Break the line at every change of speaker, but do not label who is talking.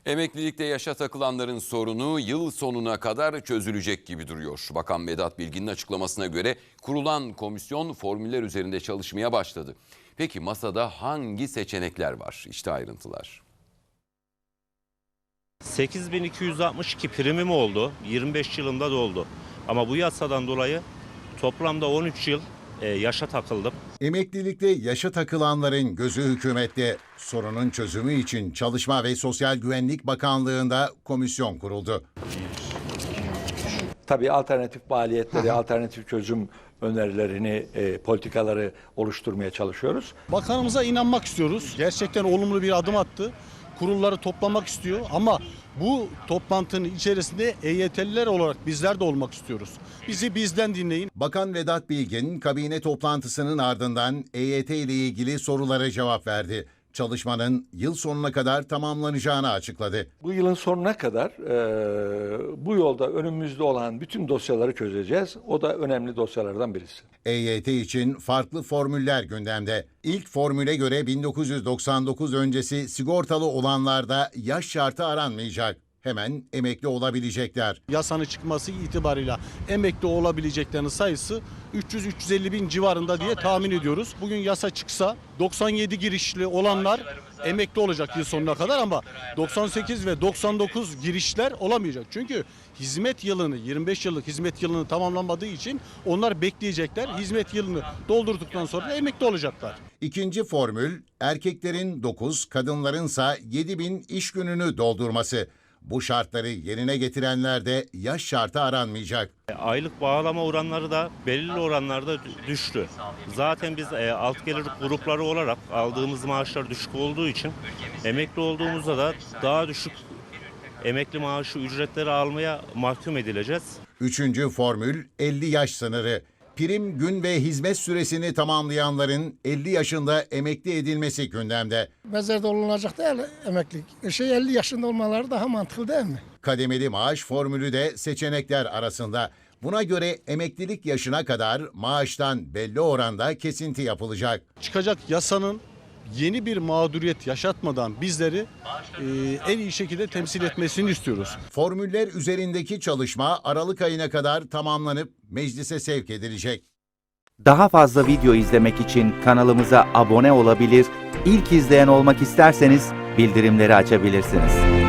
Emeklilikte yaşa takılanların sorunu yıl sonuna kadar çözülecek gibi duruyor. Bakan Vedat Bilgin'in açıklamasına göre kurulan komisyon formüller üzerinde çalışmaya başladı. Peki masada hangi seçenekler var? İşte ayrıntılar.
8.262 primim oldu. 25 yılımda doldu. Ama bu yasadan dolayı toplamda 13 yıl yaşa takıldım.
Emeklilikte yaşa takılanların gözü hükümette. Sorunun çözümü için Çalışma ve Sosyal Güvenlik Bakanlığı'nda komisyon kuruldu.
Tabii alternatif maliyetleri, alternatif çözüm önerilerini, politikaları oluşturmaya çalışıyoruz.
Bakanımıza inanmak istiyoruz. Gerçekten olumlu bir adım attı. Kurulları toplamak istiyor ama bu toplantının içerisinde EYT'liler olarak bizler de olmak istiyoruz. Bizi bizden dinleyin.
Bakan Vedat Bilgin kabine toplantısının ardından EYT ile ilgili sorulara cevap verdi. Çalışmanın yıl sonuna kadar tamamlanacağını açıkladı.
Bu yılın sonuna kadar bu yolda önümüzde olan bütün dosyaları çözeceğiz. O da önemli dosyalardan birisi.
EYT için farklı formüller gündemde. İlk formüle göre 1999 öncesi sigortalı olanlarda yaş şartı aranmayacak. Hemen emekli olabilecekler.
Yasanın çıkması itibarıyla emekli olabileceklerin sayısı 300-350 bin civarında diye tahmin ediyoruz. Bugün yasa çıksa 97 girişli olanlar emekli olacak yıl sonuna kadar ama 98 ve 99 girişler olamayacak. Çünkü hizmet yılını 25 yıllık hizmet yılını tamamlanmadığı için onlar bekleyecekler. Hizmet yılını doldurduktan sonra da emekli olacaklar.
İkinci formül erkeklerin 9, kadınlarınsa 7 bin iş gününü doldurması. Bu şartları yerine getirenlerde yaş şartı aranmayacak.
Aylık bağlama oranları da belirli oranlarda düştü. Zaten biz alt gelir grupları olarak aldığımız maaşlar düşük olduğu için emekli olduğumuzda da daha düşük emekli maaşı ücretleri almaya mahkum edileceğiz.
Üçüncü formül 50 yaş sınırı. Prim gün ve hizmet süresini tamamlayanların 50 yaşında emekli edilmesi gündemde.
Mezarda olunacak değil emeklilik. 50 yaşında olmaları daha mantıklı değil mi?
Kademeli maaş formülü de seçenekler arasında. Buna göre emeklilik yaşına kadar maaştan belli oranda kesinti yapılacak.
Çıkacak yasanın yeni bir mağduriyet yaşatmadan bizleri en iyi şekilde temsil etmesini istiyoruz.
Formüller üzerindeki çalışma Aralık ayına kadar tamamlanıp meclise sevk edilecek.
Daha fazla video izlemek için kanalımıza abone olabilir, ilk izleyen olmak isterseniz bildirimleri açabilirsiniz.